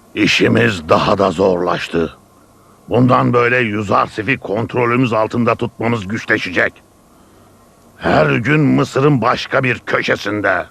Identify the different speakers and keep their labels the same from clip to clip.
Speaker 1: İşimiz daha da zorlaştı. Bundan böyle Yüzarsif'i kontrolümüz altında tutmamız güçleşecek. Her gün Mısır'ın başka bir köşesinde.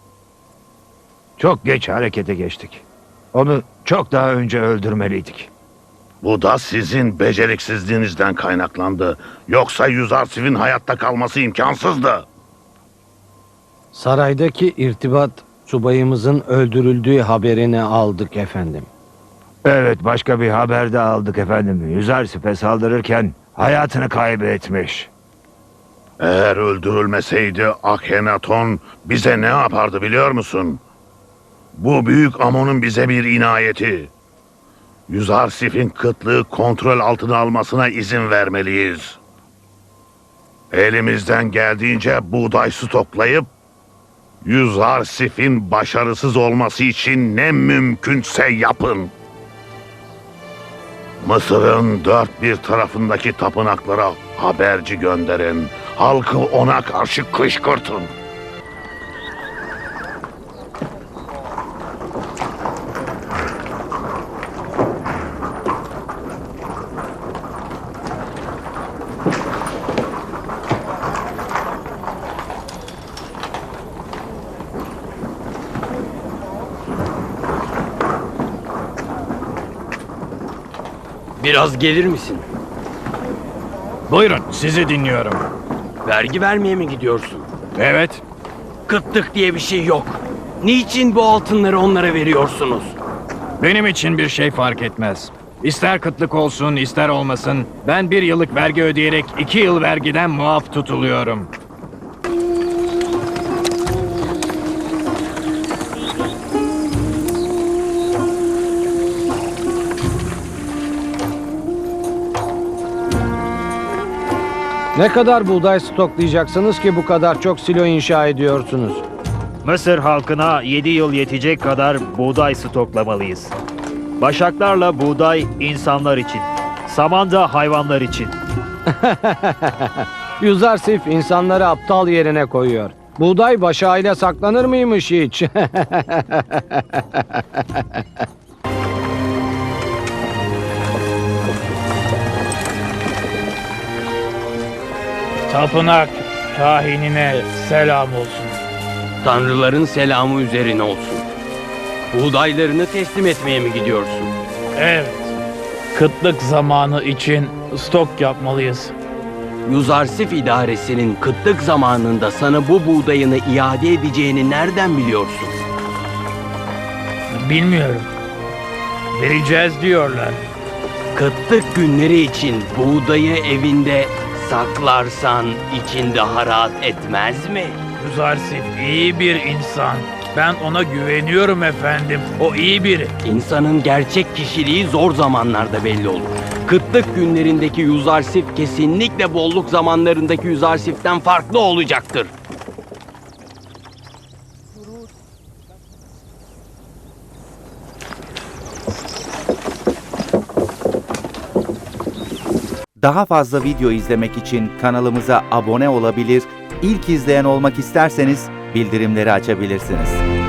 Speaker 2: Çok geç harekete geçtik. Onu çok daha önce öldürmeliydik.
Speaker 1: Bu da sizin beceriksizliğinizden kaynaklandı. Yoksa Yüzarsif'in hayatta kalması imkansızdı.
Speaker 3: Saraydaki irtibat subayımızın öldürüldüğü haberini aldık efendim.
Speaker 2: Evet, başka bir haber de aldık efendim. Yüzarsif'e saldırırken hayatını kaybetmiş.
Speaker 1: Eğer öldürülmeseydi Akhenaton bize ne yapardı biliyor musun? Bu büyük Amon'un bize bir inayeti. Yüzarsif'in kıtlığı kontrol altına almasına izin vermeliyiz. Elimizden geldiğince buğday stoklayıp Yüzarsif'in başarısız olması için ne mümkünse yapın. Mısır'ın dört bir tarafındaki tapınaklara haberci gönderin. Halkı ona karşı kışkırtın.
Speaker 4: Biraz gelir misin?
Speaker 5: Buyurun, sizi dinliyorum.
Speaker 4: Vergi vermeye mi gidiyorsun?
Speaker 5: Evet,
Speaker 4: Kıtlık diye bir şey yok. Niçin bu altınları onlara veriyorsunuz?
Speaker 5: benim için bir şey fark etmez. İster kıtlık olsun, ister olmasın, ben 1 yıllık vergi ödeyerek 2 yıl vergiden muaf tutuluyorum.
Speaker 3: Ne kadar buğday stoklayacaksınız ki bu kadar çok silo inşa ediyorsunuz?
Speaker 6: Mısır halkına 7 yıl yetecek kadar buğday stoklamalıyız. Başaklarla buğday insanlar için, saman da hayvanlar için.
Speaker 3: Yüzarsif insanları aptal yerine koyuyor. Buğday başağıyla saklanır mıymış hiç?
Speaker 7: Tapınak kahinine selam olsun.
Speaker 4: Tanrıların selamı üzerine olsun. Buğdaylarını teslim etmeye mi gidiyorsun?
Speaker 7: Evet. Kıtlık zamanı için stok yapmalıyız.
Speaker 4: Yüzarsif idaresinin kıtlık zamanında sana bu buğdayını iade edeceğini nereden biliyorsun?
Speaker 7: Bilmiyorum. Vereceğiz diyorlar.
Speaker 4: Kıtlık günleri için buğdayı evinde saklarsan için daha rahat etmez mi?
Speaker 7: Yüzarsif iyi bir insan. Ben ona güveniyorum efendim. O iyi biri.
Speaker 4: İnsanın gerçek kişiliği zor zamanlarda belli olur. Kıtlık günlerindeki Yüzarsif kesinlikle bolluk zamanlarındaki Yüzarsif'ten farklı olacaktır.
Speaker 8: Daha fazla video izlemek için kanalımıza abone olabilir, ilk izleyen olmak isterseniz bildirimleri açabilirsiniz.